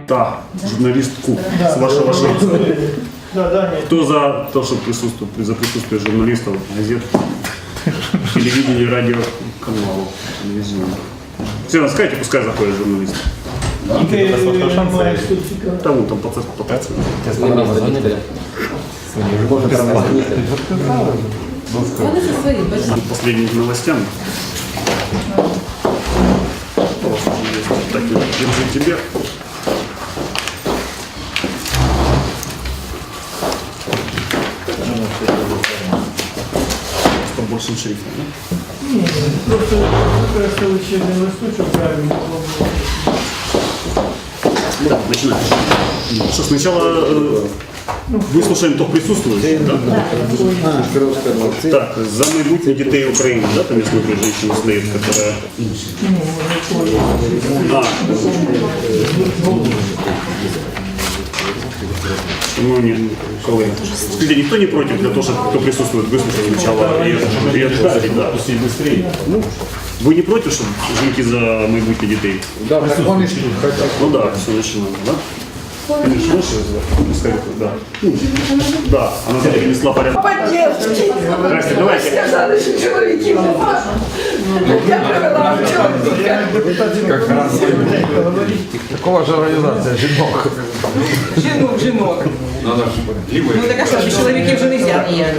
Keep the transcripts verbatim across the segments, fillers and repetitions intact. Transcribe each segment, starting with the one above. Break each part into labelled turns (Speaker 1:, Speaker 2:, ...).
Speaker 1: та журналистку с вашего шанса.
Speaker 2: Да, да, нет.
Speaker 1: Кто за то, что присутствует, за присутствие журналистов, газет, телевидения, радиоканалов, телевизионных? Все, скажите, пускай заходят журналисты. Там вон там по церкви. Последними новостями. Так, держи тебе. С большим шрифтом, да?
Speaker 2: Нет, просто просто учебный листочек правильно.
Speaker 1: Да, начинаем. Что, сначала э, выслушаем, кто присутствует, да?
Speaker 3: А,
Speaker 1: Так, за майбутнє дітей України, да, там есть некая женщина стоит, которая... А, ну, не, коллеги. Скажите, никто не против для того, чтобы кто присутствует, выслушать сначала и, и ответить, да? Ну, вы не против, чтобы жінки за майбутнє дітей?
Speaker 3: да, так вони ж тут хотят.
Speaker 1: Ну да, все начинаем, да? Конечно, лучше, да. Ну, да, она принесла порядок.
Speaker 4: Поддержки.
Speaker 1: Здрасте, давайте.
Speaker 4: Сказали, що чоловіків нема. Я привела вчора.
Speaker 3: Как раз. Такого же организация жінок.
Speaker 4: Жінок, жінок. Ну так а що ж, чоловіків вже не можна ніяк.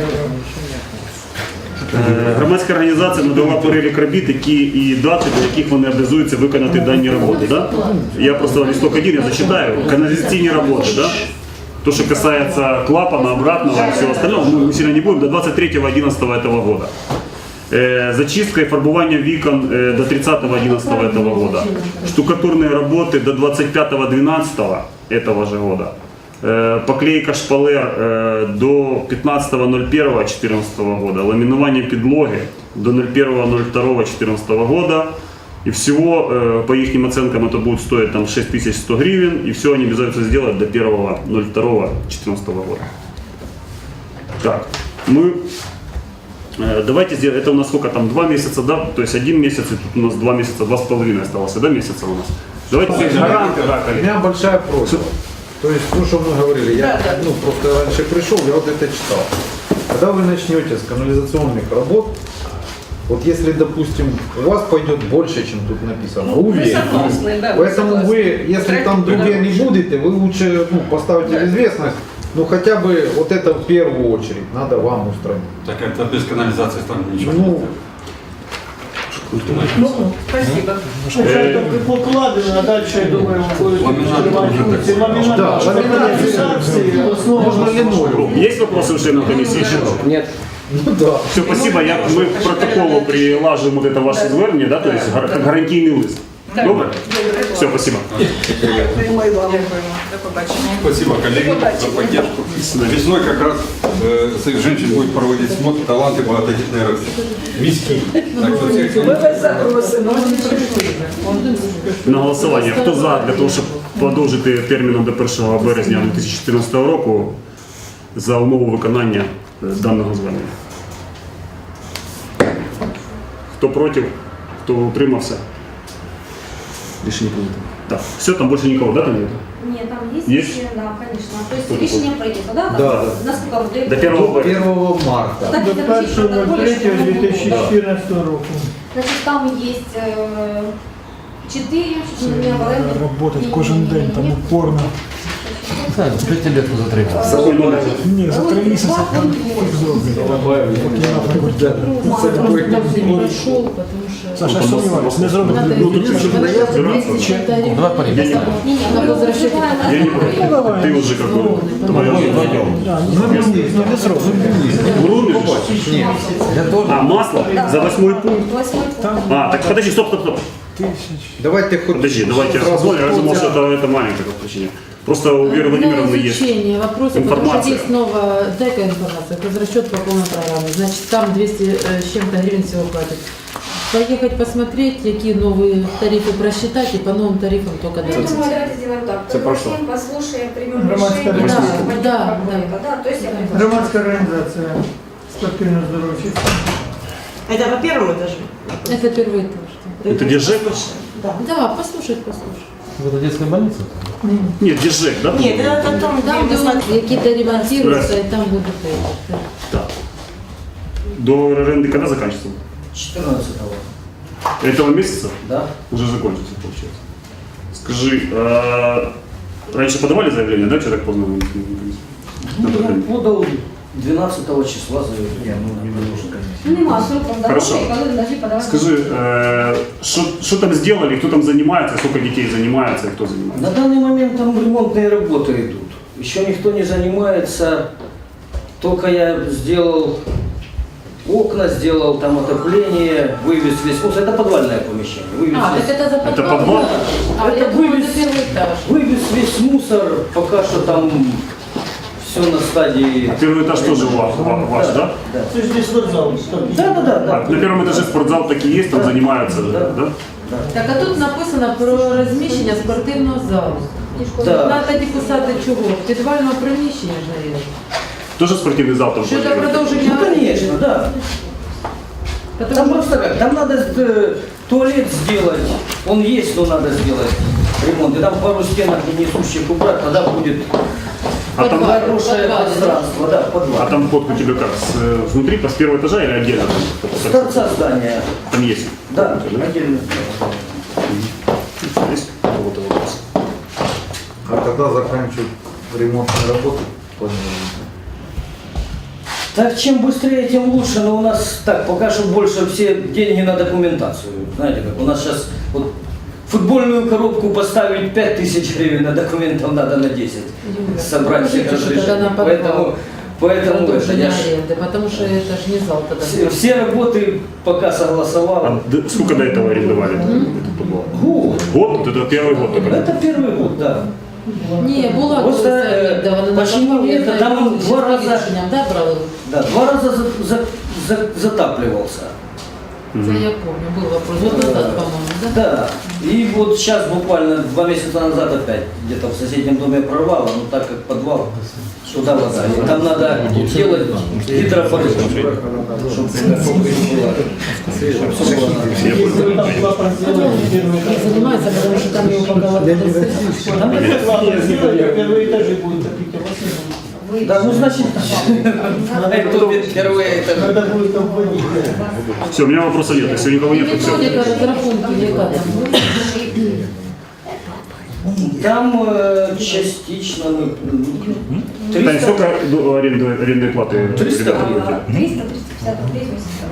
Speaker 1: Громадська організація надала перелік робіт, які і дати, до яких вони обов'язуються виконати дані роботи. Да? Я просто листок один, я зачитаю. Канализационные работы, да? То, что касается клапана, обратного и всего остального, мы сильно не будем, до двадцать третьего одиннадцатого этого года. Э, зачистка и фарбование викон э, до тридцатого одиннадцатого этого года. Штукатурные работы до двадцать пятого двенадцатого этого же года. Э, поклейка шпалер э, до пятнадцатого ноль первого четырнадцатого года. Ламинование подлоги до ноль первого ноль второго четырнадцатого года. И всего, э, по их оценкам, это будет стоить там, шесть тысяч сто гривен. И все они обязуются сделать до первого ноль второго четырнадцатого года. Так, мы... Э, давайте сделаем, это у нас сколько там, два месяца, да? То есть один месяц, и тут у нас два месяца, два с половиной осталось, да, месяца у нас? Давайте сделаем гаранты, да,
Speaker 3: У
Speaker 1: коллеги.
Speaker 3: меня большая просьба. То есть, ну, что мы говорили, я ну, просто раньше пришел, я вот это читал. Когда вы начнете с канализационных работ, вот если, допустим, у вас пойдет больше, чем тут написано, уверен.
Speaker 4: согласны, да,
Speaker 3: Поэтому
Speaker 4: согласны.
Speaker 3: вы, если там другие не будете, вы лучше ну, поставите в известность, ну хотя бы вот это в первую очередь надо вам устранить.
Speaker 5: Так это без канализации там ничего.
Speaker 3: Ну,
Speaker 2: Ну,
Speaker 4: Спасибо.
Speaker 2: спочатку покладено, а далі, я думаю, будуть
Speaker 5: Ламінат
Speaker 2: відкривати
Speaker 5: дуже
Speaker 2: функції.
Speaker 5: так.
Speaker 2: Ламінат,
Speaker 3: Да,
Speaker 2: щоб
Speaker 3: ламінат.
Speaker 2: каналізації, основа
Speaker 3: можно линолеум.
Speaker 1: Есть вопросы у членов комиссии?
Speaker 3: Нет. Ну да.
Speaker 1: Все, спасибо. Я, мы к протоколу прилаживаем вот это ваше звернення, да, то есть гар- как гарантийный лист. Добре? Все, спасибо.
Speaker 4: Дякуємо. До побачення.
Speaker 5: Спасибо, коллеги, за поддержку. Весной как раз э, своих женщин будет проводить смотр таланты многодетной родины. Миски. Так что всех
Speaker 4: Ми вас запросимо.
Speaker 1: На голосування. Хто за для того, щоб продовжити терміном до першого березня дві тисячі чотирнадцятого року за умову виконання е, даного звернення? Хто проти? Хто утримався? Рішення прийнято. Так, все, там більше нікого, да, там нет?
Speaker 6: Нет, там есть,
Speaker 1: Есть?
Speaker 6: решение, да, конечно. То есть
Speaker 1: Что
Speaker 6: решение принято, да? Там,
Speaker 3: Да.
Speaker 6: Насколько вот
Speaker 1: До первого
Speaker 3: До
Speaker 1: березня.
Speaker 3: первого марта.
Speaker 6: Так,
Speaker 2: до
Speaker 6: это
Speaker 2: першого
Speaker 6: в протоколе, что
Speaker 2: третього дві тисячі
Speaker 6: мы-
Speaker 2: чотирнадцятого року.
Speaker 6: Значит, там есть э, четыре, что у меня в аренде.
Speaker 7: Работать
Speaker 6: И-
Speaker 7: кожен день, там упорно.
Speaker 8: П'ятилетку затримав.
Speaker 1: Какой номер?
Speaker 7: Ні, за три місяці там фіг зроблять. Поки я наприклад. Саша, я сумніваюся, не зроблять.
Speaker 1: Ну, тут чуть-чуть разбираться.
Speaker 8: Давай порівняємо.
Speaker 1: Я не против.
Speaker 6: Не, не, мы возвращаем.
Speaker 1: Я не против. Ты уже как бы... твоя задача.
Speaker 7: Ну, не зроблять.
Speaker 1: Врубишь?
Speaker 8: Я теж.
Speaker 1: А, масло? За восьмой пункт?
Speaker 6: Восьмой пункт.
Speaker 1: А, так подожди, стоп, стоп, стоп.
Speaker 3: Давайте хоть
Speaker 1: Подожди, давайте я
Speaker 3: сразу
Speaker 1: посмотрим. Я думал,
Speaker 3: полтора.
Speaker 1: что это, это маленькое причина. Просто у Веры Владимировны
Speaker 9: На
Speaker 1: есть
Speaker 9: изучение вопроса, потому что
Speaker 1: информация.
Speaker 9: есть новая ДЭКа информация, это расчет по полной программе. Значит, там двести с чем-то гривен всего хватит. Поехать посмотреть, какие новые тарифы просчитать, и по новым тарифам только
Speaker 6: Ну, я
Speaker 9: дальше.
Speaker 6: думаю, давайте сделаем так.
Speaker 1: Це про що?
Speaker 6: Поговорим, послушаем, примем
Speaker 2: Громадська
Speaker 6: решение.
Speaker 9: організація.
Speaker 6: Да,
Speaker 9: Да,
Speaker 6: да, да. То есть я приглашаю.
Speaker 2: Громадська організація спортивно-здоров'я.
Speaker 4: Это по первому этажу?
Speaker 9: Это первый этаж.
Speaker 1: Это где ЖЭК?
Speaker 9: Да, послушать, послушать.
Speaker 8: В этой детской больнице?
Speaker 1: Нет, где ЖЭК, да?
Speaker 4: Нет, это там,
Speaker 9: Там,
Speaker 4: где
Speaker 9: где
Speaker 4: мы
Speaker 9: он
Speaker 4: смотрели.
Speaker 9: какие-то ремонтируются, и там будут эти.
Speaker 1: Так. До аренды когда заканчивается?
Speaker 10: четырнадцатого.
Speaker 1: Этого месяца?
Speaker 10: Да?
Speaker 1: Уже закончится, получается. Скажи, а раньше подавали заявление, да, что так поздно? вы не принесли?
Speaker 10: Ну,
Speaker 1: На
Speaker 10: я
Speaker 1: продление?
Speaker 10: подал двенадцатого числа заявление. Ну, не было, конечно.
Speaker 6: Нема сроком
Speaker 1: Хорошо.
Speaker 6: дороги, коли должны подавати.
Speaker 1: Скажи, э, что что там сделали, кто там занимается, сколько детей занимается и кто занимается?
Speaker 10: На данный момент там ремонтные работы идут. Еще никто не занимается. Только я сделал окна, сделал там отопление, вывез весь мусор. Это подвальное помещение. Вывез
Speaker 9: А,
Speaker 10: весь,
Speaker 9: так это за подвал?
Speaker 1: Это подвал?
Speaker 9: А,
Speaker 10: Это
Speaker 9: я думала,
Speaker 10: вывез.
Speaker 9: это первый этаж.
Speaker 10: вывез весь мусор. Пока что там все на стадии.
Speaker 1: Первый этаж тоже ва- ва- ваш, да?
Speaker 10: Да.
Speaker 2: Це ж не спортзал.
Speaker 10: Да, да, да, да.
Speaker 1: А на первом этаже спортзал такие есть, там
Speaker 10: Да.
Speaker 1: занимаются,
Speaker 10: Да.
Speaker 1: да?
Speaker 9: Так, а тут написано про розміщення спортивного залу.
Speaker 10: Да.
Speaker 9: Надо тоді писати чого? Підвального приміщення ж, навіть.
Speaker 1: Тоже спортивный зал там?
Speaker 9: Що це
Speaker 1: планируется?
Speaker 9: продовження?
Speaker 10: Ну, конечно, да.
Speaker 9: Потому
Speaker 10: Там
Speaker 9: что-
Speaker 10: просто как, там надо э, туалет сделать, он есть, но надо сделать ремонт. И там пару стенок несущих убрать, тогда будет
Speaker 1: А там,
Speaker 9: Подвал.
Speaker 10: хорошее
Speaker 9: подвале,
Speaker 10: пространство, да, подвал.
Speaker 1: а там вход у тебя как? С, э, внутри, с первого этажа или отдельно?
Speaker 10: С торца здания,
Speaker 1: Там есть?
Speaker 10: да,
Speaker 1: Да?
Speaker 10: отдельно.
Speaker 1: Есть у кого-то вопрос?
Speaker 3: А когда заканчивают ремонтные работы? планируете?
Speaker 10: Так чем быстрее, тем лучше, но у нас так, пока что больше все деньги на документацию. Знаете, как у нас сейчас вот футбольную коробку поставить пять тысяч гривен, на документов надо на десять.
Speaker 9: Юля,
Speaker 10: Собрать всех
Speaker 9: положите, что тогда на
Speaker 10: разрешений.
Speaker 9: подвал.
Speaker 10: Поэтому, поэтому это,
Speaker 9: Продолжение
Speaker 10: я ж-
Speaker 9: аренды, потому что это ж не зал тогда.
Speaker 10: все, все работы пока согласовал.
Speaker 1: А д- сколько до этого арендовали этот подвал?
Speaker 10: Год.
Speaker 1: Год? Вот это первый год только?
Speaker 10: Это первый год, да.
Speaker 9: Не, була
Speaker 10: Просто, э, почему это там два раза-
Speaker 9: да, брали?
Speaker 10: Да, два раза за- за- за- затапливался.
Speaker 9: Це я помню, был вопрос. Вот назад, по-моему, да?
Speaker 10: Да. И вот сейчас буквально два месяца назад опять где-то в соседнем доме прорвало, но так как подвал, туда вода. И там надо делать гидропорыв, чтобы
Speaker 2: Якщо там клапан зробили,
Speaker 9: Не занимается, потому что там его пока вот
Speaker 2: там такий клапан зробили, перші етажі будуть такі класи.
Speaker 10: Да, ну значит, это впервые это.
Speaker 2: Треба буде там вводити.
Speaker 1: Все, у меня вопросов нет. Если никого нет, то все.
Speaker 9: методика разрахунки, яка там?
Speaker 10: Там э, частично мы м,
Speaker 1: Тань,
Speaker 10: триста.
Speaker 1: сколько до- аренды, арендной платы?
Speaker 10: триста
Speaker 1: ребята
Speaker 10: гривен.
Speaker 1: платят?
Speaker 6: триста триста пятьдесят рублей в месяц.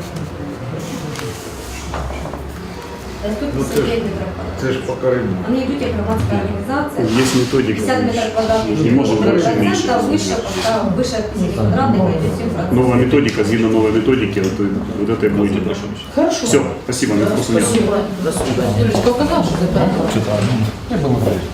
Speaker 6: Это тут
Speaker 3: Ну, це ж,
Speaker 6: посередине графа.
Speaker 3: це ж пока ремонт.
Speaker 6: Они идут, как громадская организация.
Speaker 1: Есть методика.
Speaker 6: пятьдесят метров квадратных.
Speaker 1: Не можем больше, меньше.
Speaker 6: процентов выше, пока выше пятьдесят квадратных идет семь процентов.
Speaker 1: Новая методика, згідно новой методики, вот, и- вот это и будете дальше.
Speaker 10: Хорошо.
Speaker 1: Все, спасибо, у меня вопросов нет.
Speaker 10: Спасибо. До свидания.
Speaker 9: Юлечка указал, что ты подвал.
Speaker 8: Я был на крыше.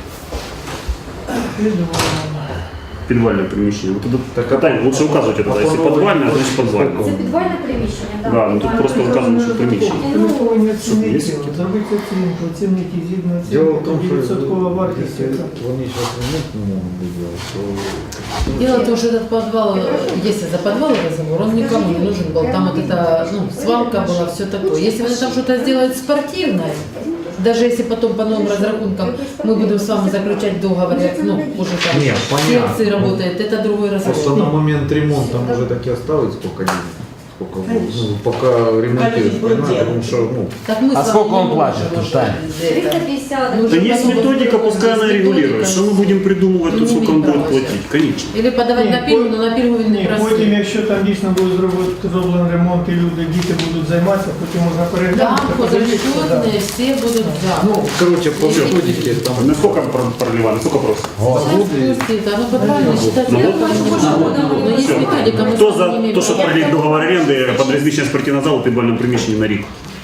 Speaker 1: Підвальне приміщення. Вот
Speaker 3: Так,
Speaker 1: это, Тань, лучше указывать это. Если подвальное, значит
Speaker 6: Це
Speaker 1: подвальне.
Speaker 6: підвальне приміщення, да.
Speaker 1: Да, ну тут просто вказано, що приміщення.
Speaker 2: Ми повинні
Speaker 1: є?
Speaker 2: оцінити, зробити оцінку, оцінити згідно
Speaker 3: Дело в
Speaker 2: оцінки,
Speaker 3: том, что
Speaker 2: відсоткова вартість.
Speaker 3: если
Speaker 2: яка.
Speaker 3: они сейчас ремонт не могут делать, то
Speaker 9: Дело в том, что этот подвал, если за подвал разговор, он никому не нужен был. Там вот эта ну, свалка была, все такое. Если они там что-то сделают спортивное, даже если потом по новым разрахункам мы будем с вами заключать договор, как, ну, уже там
Speaker 3: Нет, понятно.
Speaker 9: секции работает, это другой
Speaker 3: просто на
Speaker 9: разговор.
Speaker 3: момент ремонта может так и осталось сколько денег. Сколько будет. Ну, пока ремонтируешь, понимаешь, потому что, ну,
Speaker 9: Так мы
Speaker 8: А
Speaker 9: с вами
Speaker 8: сколько
Speaker 9: не
Speaker 8: он
Speaker 9: можем
Speaker 8: платит,
Speaker 9: уже
Speaker 8: Тань?
Speaker 9: за это.
Speaker 6: триста пятьдесят.
Speaker 9: Ну,
Speaker 1: Да
Speaker 9: уже
Speaker 1: есть
Speaker 9: потом
Speaker 1: методика,
Speaker 9: будет
Speaker 1: пускай она
Speaker 9: есть
Speaker 1: регулирует.
Speaker 9: методика.
Speaker 1: Что мы будем придумывать,
Speaker 9: Не
Speaker 1: тут сколько он
Speaker 9: имеет
Speaker 1: будет
Speaker 9: права
Speaker 1: платить? Конечно.
Speaker 9: Или подавать
Speaker 2: Ні,
Speaker 9: на пільгу,
Speaker 2: по-
Speaker 9: но на пільгу він не
Speaker 2: Ні, потім,
Speaker 9: простий.
Speaker 2: якщо там дійсно буде зробити зроблений ремонт і люди, діти будуть займатися, потім можна
Speaker 9: Да,
Speaker 2: переглянути. подивитися, да.
Speaker 9: подрасчетные, все будут за.
Speaker 3: ну, короче, по методике там
Speaker 1: На сколько про- проливали? Сколько просто?
Speaker 9: Сейчас спустит, оно подвально считать.
Speaker 1: Ну,
Speaker 9: Я
Speaker 1: вот.
Speaker 9: тоже больше буду. Но есть
Speaker 1: Всё.
Speaker 9: методика, мы
Speaker 1: Кто
Speaker 9: с вами не
Speaker 1: за
Speaker 9: имеем
Speaker 1: то, что
Speaker 9: права.
Speaker 1: продлить договор аренды под размещение спортивного зала в підвальном приміщенні на рік?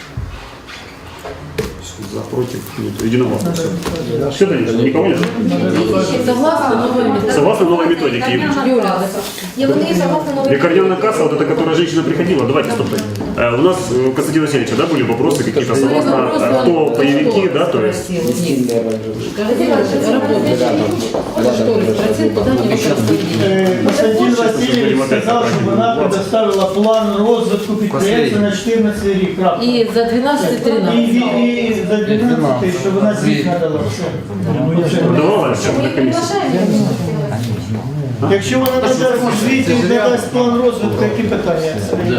Speaker 1: За, против, нет, единогласно. Все, все Таня, никого нет?
Speaker 9: Согласно новой методике.
Speaker 1: Согласно новой методике.
Speaker 9: Юля,
Speaker 6: И вони согласно новой
Speaker 1: Лікарняна касса, вот эта, которая женщина приходила, давайте, стоп, Э, У нас э, у Константина Васильевича, да, были вопросы какие-то
Speaker 9: Были
Speaker 1: согласно,
Speaker 9: вопросы,
Speaker 1: э,
Speaker 9: он
Speaker 1: кто
Speaker 9: что
Speaker 1: боевики, да, то есть.
Speaker 9: спросил у них? Когда работаешь, что ли, спросил, куда они выкрасили?
Speaker 2: Э, Константин Васильевич сказал, чтобы она предоставила план розвитку підприємства на чотирнадцятий рік. крапка.
Speaker 9: И за двенадцать
Speaker 2: І,
Speaker 9: тринадцать.
Speaker 2: і, і за дванадцятий, щоб вона звіт надала. Все.
Speaker 1: Продавала ще
Speaker 6: Мы
Speaker 1: на
Speaker 6: не
Speaker 1: комісії.
Speaker 6: приглашаем.
Speaker 2: Якщо вона надасть у звіті, надасть план розвитку, які питання?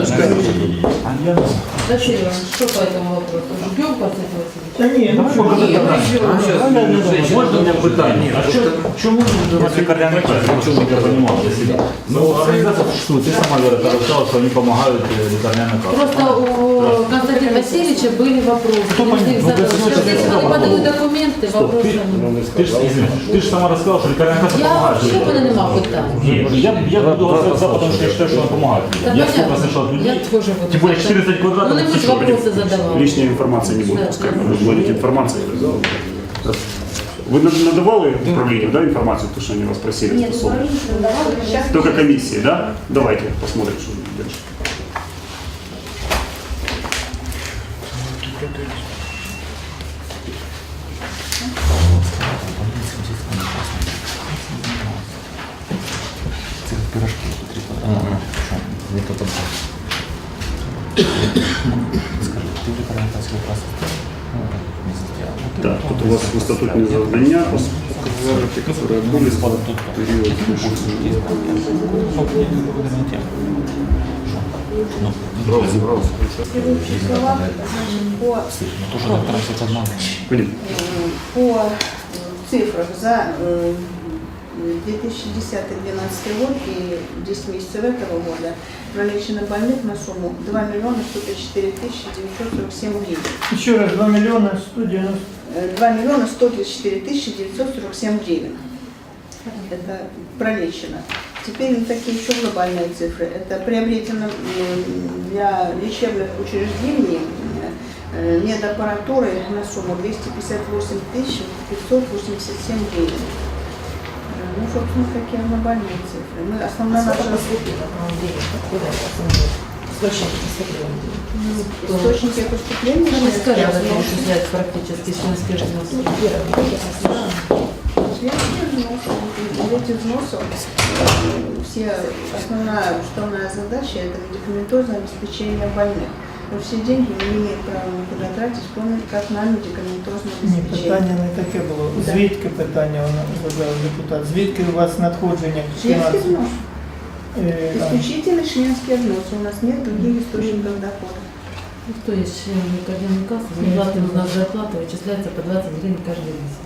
Speaker 9: Василий Иванович, что по этому вопросу? Ждем Константин Васильевич?
Speaker 2: Та ні, ну що?
Speaker 9: Нет, ну что?
Speaker 7: Можно у меня питание? А что, чему нужно лікарняний каст? Чому я понимал для себя? Ну, организация существует, ты сама, Вера, рассказала, что они помогают лікарняний каст.
Speaker 9: Просто у Константина Васильевича были вопросы. Они их задали. Сейчас, если они подают документы,
Speaker 7: Стоп,
Speaker 9: вопросы
Speaker 7: ты,
Speaker 9: они.
Speaker 7: ты, ж, извини, ты же сама рассказала, что лікарняний каст
Speaker 9: Я
Speaker 7: помогает.
Speaker 9: вообще понимал питание.
Speaker 7: Нет, я, я буду голосовать за, потому что я считаю, что она помогает.
Speaker 9: Да
Speaker 7: Я сколько
Speaker 9: понятно.
Speaker 7: слышал от людей,
Speaker 9: Я тоже буду
Speaker 7: тем более
Speaker 9: за.
Speaker 7: четырнадцать квадратов.
Speaker 9: Ну, не
Speaker 7: это
Speaker 9: будь
Speaker 7: всё.
Speaker 9: вопросы задавал.
Speaker 1: Лишней информации не будет,
Speaker 9: Да.
Speaker 1: пускай будет информация. Вы над- надавали управлению, да, информацию, то, что они вас просили?
Speaker 6: Нет,
Speaker 1: стосовно?
Speaker 6: управление не давало. Сейчас
Speaker 1: Только комиссии, да? Давайте посмотрим, что дальше. Так, тут у вас статутные задания, которые были в период
Speaker 6: следующие слова, значит, по
Speaker 1: Блин,
Speaker 11: По цифрах за э, две тысячи десятый — две тысячи двенадцатый год и десять месяцев этого года пролечено больных на сумму два миллиона сто тридцать четыре тысячи девятьсот сорок семь гривен.
Speaker 2: Еще раз, два миллиона сто девяносто.
Speaker 11: Э, два миллиона сто тридцать четыре тысячи девятьсот сорок семь гривен. Это пролечено. Теперь вот такие еще глобальные цифры. Это приобретено м, для лечебных учреждений э, медаппаратуры на сумму двести пятьдесят восемь тысяч пятьсот восемьдесят семь гривен. Э, Ну, собственно, такие глобальные цифры. Мы, основная наша источники поступления.
Speaker 9: Ну, не скажем,
Speaker 11: членских
Speaker 9: это
Speaker 11: взносов.
Speaker 9: исчисляет практически членские взносы.
Speaker 11: Членские взносы. Из этих взносов э, все, основная уставная задача – это медикаментозное обеспечение больных. Но все деньги мы не имеем права никуда тратить, кроме как на медикаментозное
Speaker 2: Ні,
Speaker 11: обеспечение.
Speaker 2: питання не таке було. Звідки питання вона задав депутат? Звідки у вас надходження
Speaker 11: Членский
Speaker 2: фінансів?
Speaker 11: взнос.
Speaker 2: Е, а,
Speaker 11: Исключительно членские взносы. У нас нет других источников дохода.
Speaker 9: Ну, кто есть член ликарняной кассы, зарплата у нас зарплата вычисляется по двадцать гривен каждый месяц.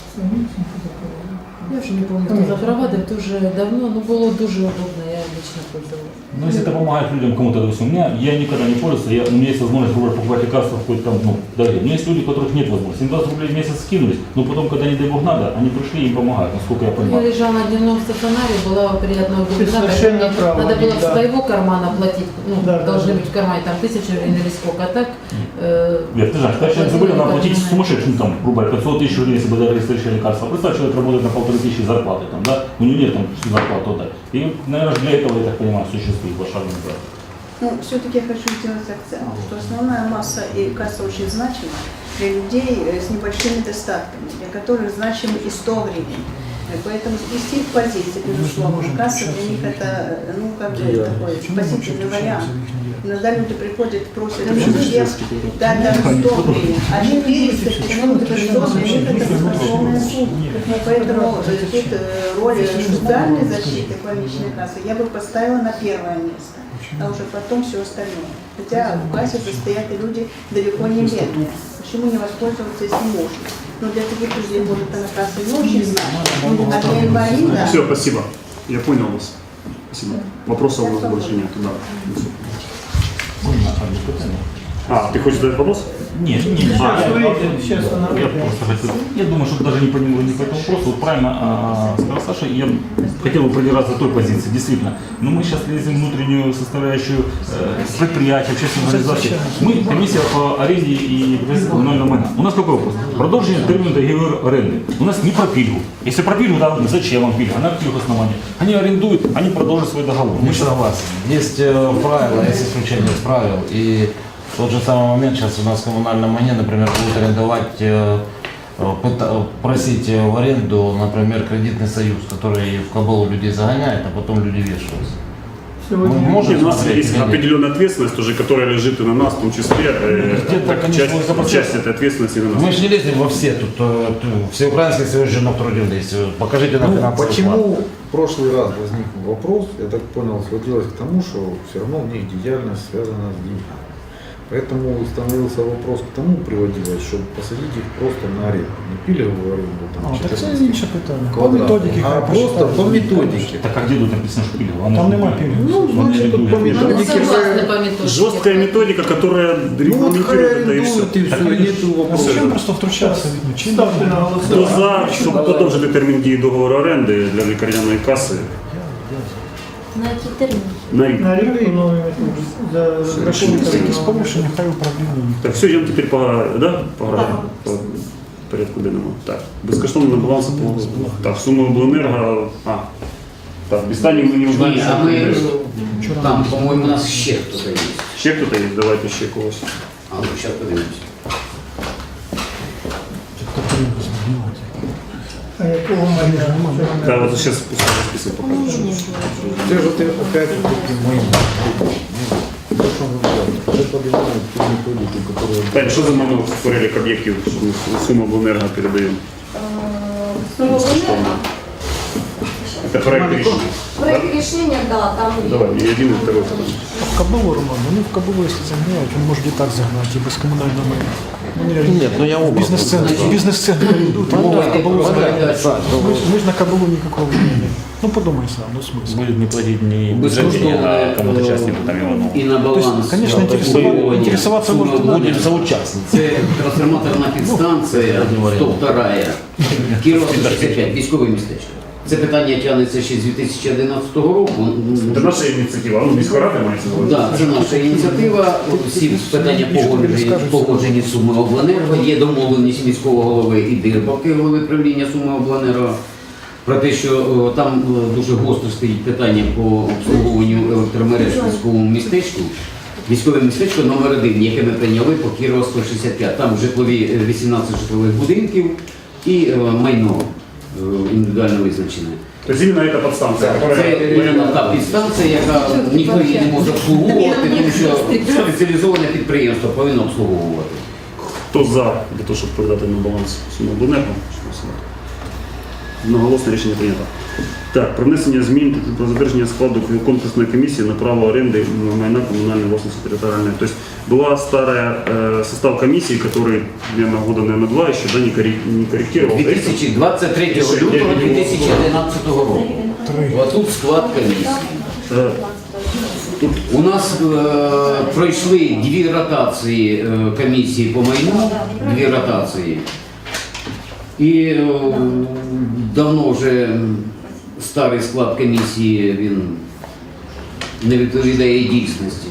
Speaker 9: Я уже не помню, кто запровадил, это уже давно, но было дуже удобно, я лично пользовалась.
Speaker 7: Ну, если это помогает людям, кому-то, допустим, у меня, я никогда не пользуюсь, я, у меня есть возможность, грубо говоря, покупать лекарства в какой-то там, ну, дороге. Но есть люди, у которых нет возможности. Им двадцать рублей в месяц скинулись, но потом, когда не дай бог надо, они пришли и им помогают, насколько я
Speaker 9: Я
Speaker 7: понимаю.
Speaker 9: лежала на дневном стационаре, была приятного
Speaker 2: Ты совершенно права,
Speaker 9: Надо было
Speaker 2: да.
Speaker 9: с своего кармана платить, ну,
Speaker 2: Да, да,
Speaker 9: должны
Speaker 2: да.
Speaker 9: быть в кармане там тысяча гривен или сколько, а так... э,
Speaker 7: Вер, ты знаешь, когда человек забыли, надо платить
Speaker 9: Ликарняная.
Speaker 7: сумасшедшую, ну, там, грубо говоря, пятьсот тысяч рублей, если бы дали следующее лекарство. Представь, человек работает на полторы тысячи зарплаты, там, да, у него нет там зарплаты, вот так. И, наверное, для этого, я так понимаю, существует пошаговый проект.
Speaker 11: Ну, все-таки я хочу сделать акцент, что основная масса и касса очень значима для людей э, с небольшими достатками, для которых значимы и сто гривен. Э, Поэтому спасти их позиции, безусловно, касса для них это, э, ну, как бы такой спасительный вариант. Иногда люди приходят, просят всех дать даже сто гривен, а четыреста, почему это сто для них это баснословная сумма. Поэтому э, тут э, роль социальной защиты больничной кассы я бы поставила на первое место, а уже потом все остальное. Хотя в кассе состоят и люди далеко не бедные. Почему не воспользоваться, если можно? Но для таких людей, может, она касса не очень значит, а для инвалида...
Speaker 1: все, спасибо. Я понял вас. Спасибо. Вопросов у нас больше нет. Да.
Speaker 7: Можно одно питание?
Speaker 1: А, ты хочешь задать вопрос?
Speaker 7: Нет, не, не.
Speaker 2: Сейчас
Speaker 7: я,
Speaker 2: выйдем, сейчас она
Speaker 7: я
Speaker 2: выйдет.
Speaker 7: просто хотел, я думаю, что даже не по нему, не по этому вопросу. Вот правильно а, сказал Саша, я хотел бы продержаться той позиции, действительно. Но мы сейчас лезем в внутреннюю составляющую э, предприятия, общественной организации. Мы комиссия по аренде и коммунального майна. У нас какой вопрос? Продолжение термина договора аренды. У нас не про пильгу. Если про пильгу, да, зачем вам пильга? На каких основаниях? Они арендуют, они продолжат свой договор.
Speaker 8: Мы согласны. Есть э, правила, есть исключение из правил. И тот же самый момент сейчас у нас в коммунальном майне, например, будут арендовать, э, э, пыта- просить э, в аренду, например, кредитный союз, который в кабалу людей загоняет, а потом люди вешаются. Мы
Speaker 2: Сегодня
Speaker 8: можем
Speaker 1: У нас
Speaker 8: смотреть
Speaker 1: есть
Speaker 8: или нет?
Speaker 1: определенная ответственность, уже, которая лежит и на нас, в том числе, э,
Speaker 8: Где-то,
Speaker 1: так,
Speaker 8: конечно,
Speaker 1: часть,
Speaker 8: это процесс.
Speaker 1: часть этой ответственности на нас.
Speaker 8: Мы же не лезем во все тут, э, ту- всеукраинский союз женов трудились. Покажите нам
Speaker 3: Ну,
Speaker 8: финансовый план.
Speaker 3: почему в прошлый раз возник вопрос, я так понял, сводилось к тому, что все равно у них деятельность связана с деньгами. Поэтому становился вопрос к тому приводилось, чтобы посадить их просто на аренду. Не пилевую аренду, там,
Speaker 12: А, так це
Speaker 3: четырнадцать
Speaker 12: інше питання. По
Speaker 3: квадратов,
Speaker 12: методиці
Speaker 3: а
Speaker 12: хай
Speaker 3: просто
Speaker 12: посчитають.
Speaker 3: по методике.
Speaker 7: Так а где тут написано, что пилил?
Speaker 12: Там нема пилів.
Speaker 3: Ну, значит, тут по
Speaker 9: Ну,
Speaker 3: методике
Speaker 9: согласны
Speaker 3: же...
Speaker 9: по методике.
Speaker 1: Жесткая методика, которая
Speaker 3: Ну вот хай
Speaker 1: регламентирует это и все.
Speaker 3: арендуют и все, и нету
Speaker 12: Зачем
Speaker 3: вопросов.
Speaker 12: просто втручатися? Ну, чим
Speaker 2: ставте на
Speaker 1: Хто
Speaker 2: голосування.
Speaker 1: за, щоб подовжити термін дії договору оренди для лікарняної каси
Speaker 6: На який термін?
Speaker 1: на рік.
Speaker 2: На рік новий за розрахунок.
Speaker 12: якісь порушення, хай управління.
Speaker 1: Так, все, йдемо тепер по, да? по, гра- по порядку денному. Так, безкоштовно на баланс. Так, сума обленерго. А, так, без Тані ми не узнаємо,
Speaker 13: Ні,
Speaker 1: що
Speaker 13: а ми
Speaker 1: буде.
Speaker 13: там, по-моєму, у нас ще хтось є.
Speaker 1: Ще хто-то є? Давайте ще когось.
Speaker 13: А ну зараз подивимося.
Speaker 2: А якого майна?
Speaker 1: Так, вот сейчас список покажу.
Speaker 3: Це ж ти опять таки моим. То, що ви говорите, це подивляють ту методику, яку...
Speaker 1: Тань, що за номер в перелік об'єктів, що ми суму обленерго передаємо?
Speaker 6: Сумма
Speaker 1: Безкоштовно. Это проект рішення.
Speaker 6: Проект решения, да, там
Speaker 1: Давай, и один, и второй.
Speaker 12: В Кабулу, Роман, ну в Кабулу, если загоняют, он может и так загнать, и без коммунального майна. Ну, не,
Speaker 8: Нет, ну я оба.
Speaker 12: бизнес-центр, бизнес-центр идут, а
Speaker 13: Мова
Speaker 12: в
Speaker 13: йде
Speaker 12: Кабулу
Speaker 13: про
Speaker 12: загоняют.
Speaker 13: передачу.
Speaker 12: Мы, ж- мы же на Кабулу никакого не имеем. Ну подумай сам, ну смысл.
Speaker 7: Будет не платить не
Speaker 13: Безкоштовно,
Speaker 7: а кому-то
Speaker 13: е,
Speaker 7: частнику там Иванову.
Speaker 13: І на
Speaker 12: То есть,
Speaker 13: баланс.
Speaker 12: конечно,
Speaker 13: е,
Speaker 12: интересоваться,
Speaker 13: обслуговування
Speaker 12: интересоваться
Speaker 13: суми
Speaker 12: может
Speaker 13: обленерго.
Speaker 8: Будем соучастницы.
Speaker 13: Це трансформаторна підстанція сто два, Кірова сто шістдесят п'ять, військове містечко. Це питання тягнеться ще з дві тисячі одинадцятого року.
Speaker 1: Це наша ініціатива, ну, міська рада мається на увазі.
Speaker 13: Так, це наша ініціатива. Всі питання погоджені, погоджені з Суми обленерго. Є домовленість міського голови і Дирбаки, голови правління Суми обленерго, про те, що о, там о, дуже гостро стоїть питання по обслуговуванню електромереж в військовому містечку. Військове містечко номер один, яке ми прийняли по Кірова сто шістдесят п'ять. Там житлові е, вісімнадцять житлових будинків і е, майно е, індивідуально визначене.
Speaker 1: То есть именно эта подстанция,
Speaker 13: Це
Speaker 1: которая...
Speaker 13: іменно та підстанція, яка ніхто її не може обслуговувати, тому що спеціалізоване підприємство повинно обслуговувати.
Speaker 1: Хто за для того, щоб передати на баланс суму обленерго? Одноголосне рішення прийнято. Так, про внесення змін про затвердження складу конкурсної комісії на право оренди майна коммунальной властности территориальной. То есть была старая э, состав комиссии, который, наверное, года, наверное, два еще, да, не, корри- не корректировал.
Speaker 13: дві тисячі двадцять третього лютого дві тисячі одинадцятого року. А тут склад комісії.
Speaker 1: Э,
Speaker 13: У нас е, пройшли дві ротації е, комісії по майну, дві ротації. І е, давно вже старий склад комісії він не відповідає дійсності.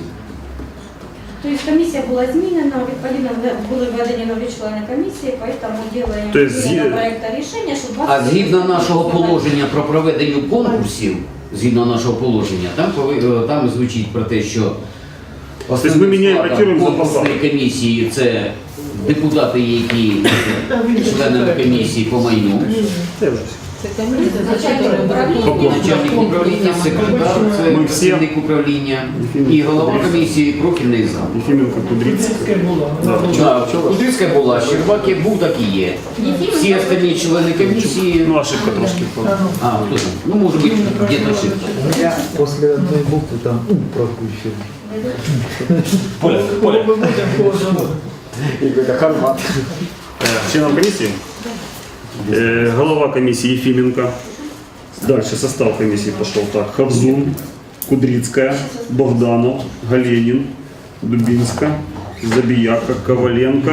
Speaker 6: Тобто комісія була змінена, відповідно були введені нові члени комісії, тому робимо
Speaker 1: Тобто
Speaker 6: зміну
Speaker 1: зі-
Speaker 6: проекту рішення, що
Speaker 13: А згідно нашого положення про проведення конкурсів, згідно нашого положення, там, пови- там звучить про те, що
Speaker 1: ми
Speaker 13: основним
Speaker 1: міняємо,
Speaker 13: складом
Speaker 1: ротуємо за
Speaker 13: конкурсної комісії це депутати, які членами комісії по майну,
Speaker 9: Это комиссия, за
Speaker 6: Начальник
Speaker 9: которую
Speaker 6: управління.
Speaker 13: начальник управління, секретар, це
Speaker 1: Ми всі-
Speaker 13: працівник управління і голова комісії профільний зам.
Speaker 1: Ефименко, Кудрицкий.
Speaker 2: Кудрицька була.
Speaker 13: Так, Кудрицька була, Щербак як був, так і є. Всі остальні члени комісії,
Speaker 1: Ну, ошибка трошки.
Speaker 13: а, хто там? Ну, може бути, где-то ошибка.
Speaker 3: У меня после одной буквы там «у» пропущен.
Speaker 7: Поля,
Speaker 2: Кого
Speaker 7: Поля.
Speaker 2: ми будемо, кого забудемо?
Speaker 1: Э, Членом комиссии? Э, Голова комиссии Ефименко. Дальше состав комиссии пошел так. Хавзун, Кудрицкая, Богданов, Галенин, Дубинска, Забияка, Коваленко,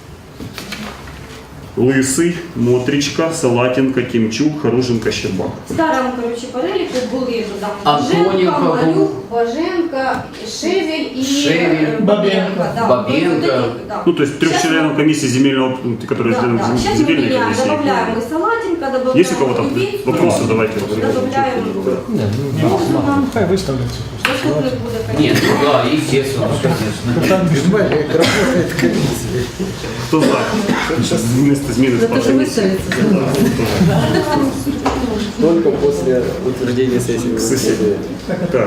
Speaker 1: Лысый, Мотричка, Салатенко, Кимчук, Харуженко, Щербак.
Speaker 6: в старому, коротше, переліку були там
Speaker 13: Антоненко
Speaker 6: Женко,
Speaker 13: був.
Speaker 6: Малюк, Боженко, Шевель и
Speaker 13: Шевель,
Speaker 6: э, Бабенко. Да.
Speaker 13: Бабенко.
Speaker 6: Вот эти, да.
Speaker 1: Ну, то есть трех
Speaker 6: Сейчас
Speaker 1: членов
Speaker 6: мы-
Speaker 1: комиссии земельного, которые
Speaker 6: Да,
Speaker 1: члены
Speaker 6: да. Сейчас мы
Speaker 1: земельной
Speaker 6: меняем,
Speaker 1: комиссии.
Speaker 6: добавляем мы Салатенко, добавляем
Speaker 1: Есть у кого-то
Speaker 6: Дубинского,
Speaker 1: вопросы? Давайте.
Speaker 6: добавляем. Можно нам
Speaker 12: Хай выставляться.
Speaker 6: доступны будет,
Speaker 13: Нет,
Speaker 6: конечно.
Speaker 13: ну да, естественно, конечно.
Speaker 3: Понимаете, как работает комиссия.
Speaker 1: Кто за? Сейчас вместо змеи
Speaker 9: Это же выставится.
Speaker 14: Только после утверждения сессии.
Speaker 1: Сессии. Так.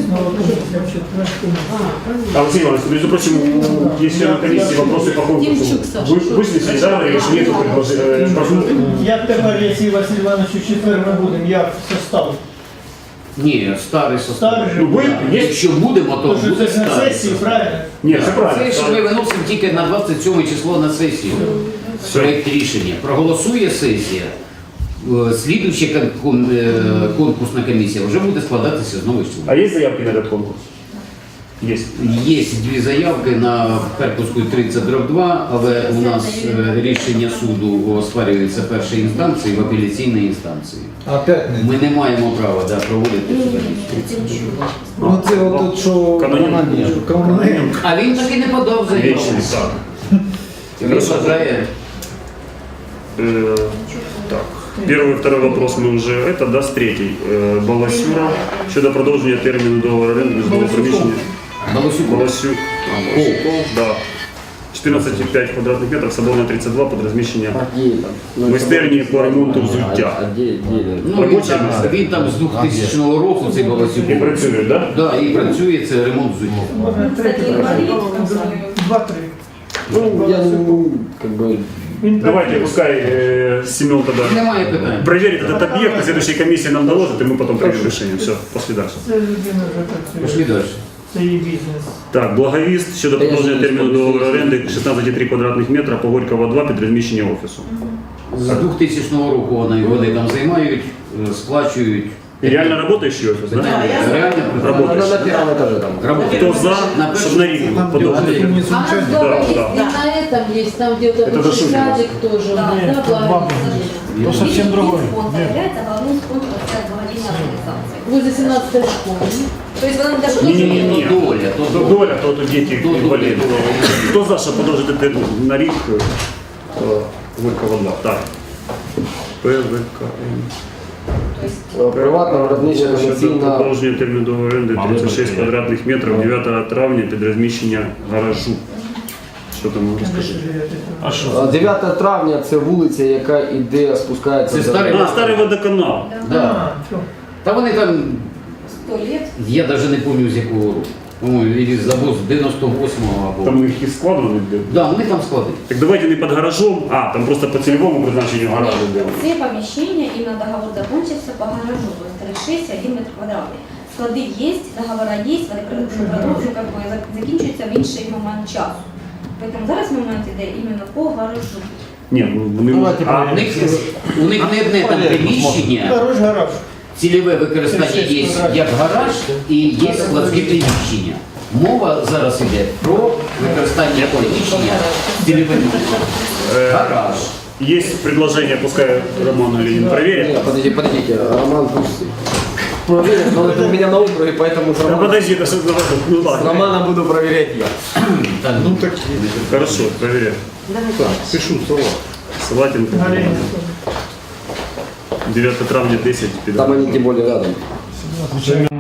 Speaker 1: А, Василий Иванович, между прочим, есть члены комиссии вопросы по конкурсу.
Speaker 9: Демчук, Саша,
Speaker 1: Вы
Speaker 9: что
Speaker 1: выяснили, да, или же нету предложений?
Speaker 2: Як тепер, якщо Василь Іванович у четвер ми будемо, як состав?
Speaker 13: Ні, старий состав.
Speaker 2: Старий же
Speaker 1: Ну, ви,
Speaker 2: буде.
Speaker 1: є?
Speaker 13: Якщо будемо, то
Speaker 2: Тому що
Speaker 13: буде
Speaker 2: це ж на
Speaker 13: старий.
Speaker 2: сесії, правильно?
Speaker 1: Ні, це правильно.
Speaker 13: Це ж ми виносимо тільки на двадцять сьоме число на сесію. Проект рішення. Проголосує сесія. е, Слідуюча кон- кон- е, конкурсна комісія вже буде складатися з нових
Speaker 1: А
Speaker 13: членів.
Speaker 1: есть заявки на этот конкурс? Есть.
Speaker 13: Є дві заявки на Харківську тридцять дроб два, але у нас е, рішення суду оспарюється першої інстанції в апеляційній інстанції.
Speaker 3: Опять не.
Speaker 13: Ми не маємо права да, проводити цю комісію.
Speaker 3: Ну це от що
Speaker 1: Каноненко.
Speaker 3: Каноненко.
Speaker 13: А він таки не подав заяву.
Speaker 1: Вечный, так.
Speaker 13: Він вважає.
Speaker 1: Э, Так. Первый и второй вопрос мы уже, это даст третий. Э, Баласюра, щодо продовження терміну договору оренди житлового приміщення.
Speaker 13: Баласюк.
Speaker 1: Баласюк. Да. чотирнадцять цілих п'ять квадратних метрів, Соборна тридцять два, під розміщення майстерні по ремонту взуття.
Speaker 13: Ну, він, там, він там з двохтисячного року цей Баласюк.
Speaker 1: І працює, да?
Speaker 13: Да, і працює, це ремонт взуття.
Speaker 6: Кстати, инвалид,
Speaker 2: Два-три.
Speaker 14: Ну, я ну, как бы...
Speaker 1: Давайте, пускай э, Семен тогда
Speaker 13: Немає питань.
Speaker 1: проверит этот объект, на следующей комиссии нам доложит, и мы потом примем решение. Все, после дальше.
Speaker 2: Це людина вже
Speaker 13: Пішли
Speaker 2: працює.
Speaker 13: далі.
Speaker 2: Це її бізнес.
Speaker 1: Так, Благовіст щодо продовження терміну договору оренди шістнадцять цілих три квадратних метра по Горького два під розміщення офісу.
Speaker 13: З двохтисячного року вони, вони там займають, е, сплачують.
Speaker 1: И реально работающий офис, да?
Speaker 13: Реально
Speaker 14: На, на
Speaker 1: Работающий.
Speaker 14: первом этаже там.
Speaker 13: работають.
Speaker 1: Кто за, чтобы на Ригу
Speaker 3: Там
Speaker 1: подолжить?
Speaker 3: не
Speaker 9: А у нас
Speaker 3: случайно.
Speaker 9: дома
Speaker 1: Да,
Speaker 9: есть
Speaker 1: да.
Speaker 9: и на этом есть, там где-то
Speaker 1: Это
Speaker 9: бывший
Speaker 1: Дашунин.
Speaker 9: садик тоже у нас,
Speaker 2: Нет,
Speaker 9: да,
Speaker 2: тут два
Speaker 9: благо.
Speaker 12: То совсем другое.
Speaker 6: Спонсор
Speaker 12: Нет.
Speaker 6: является главным спонсором благодійної організації.
Speaker 9: Возле семнадцатой школы.
Speaker 6: Тобто вона даже
Speaker 1: Не-не-не.
Speaker 13: То доля, то
Speaker 1: То
Speaker 13: доля.
Speaker 1: доля, то тут дети
Speaker 13: То доля,
Speaker 1: инвалиды.
Speaker 13: то доля.
Speaker 1: Кто за, что продолжит это на Риг? э, Горького два. Так. ПВКМ.
Speaker 14: Приватна виробнича
Speaker 1: Щодо
Speaker 14: комерційна.
Speaker 1: продовження терміну договору оренди тридцять шість квадратних метрів дев'ятого травня під розміщення гаражу. Що там розкажи?
Speaker 7: А що?
Speaker 14: А, дев'яте травня це вулиця, яка іде, спускається.
Speaker 13: Це
Speaker 14: до-
Speaker 13: старий-
Speaker 1: А, старий водоканал.
Speaker 13: Да. Та вони там,
Speaker 6: сто лет.
Speaker 13: я навіть не пам'ятаю з якого року. По-моєму, і завоз дев'яносто восьмого або.
Speaker 1: Там їх і складено.
Speaker 13: Да, вони там складуть.
Speaker 1: Так давайте не під гаражом, а там просто по цільовому призначенню гаражу делаем.
Speaker 6: Це помещение, именно договор закончился по гаражу, то есть тридцать шесть один метр квадратний. Склади є, договора є, вони продовжують, как бы, закінчуються в інший момент часу. Поэтому зараз момент іде іменно по гаражу.
Speaker 1: Ні, ну вони
Speaker 14: Давайте
Speaker 1: а,
Speaker 13: У них, у них не одне там приміщення,
Speaker 2: Хорош гараж.
Speaker 13: цільове використання є як гараж і є складське приміщення. Мова зараз йде про використання приміщення цільовим. Гараж.
Speaker 1: есть предложение, пускай Роман Ленин проверит.
Speaker 14: Нет, подождите, подождите, Роман пусть проверит, но это у меня на округе, поэтому с
Speaker 1: Да
Speaker 14: Романом,
Speaker 1: подожди, это что за вопрос? Ну
Speaker 14: с
Speaker 1: ладно.
Speaker 14: Романом буду проверять я.
Speaker 13: Так,
Speaker 3: Ну так,
Speaker 1: Хорошо, проверяй.
Speaker 3: так, пишу слова.
Speaker 1: Салатенко.
Speaker 2: Галина.
Speaker 1: дев'ятого травня десять.
Speaker 14: Там они тем более рядом.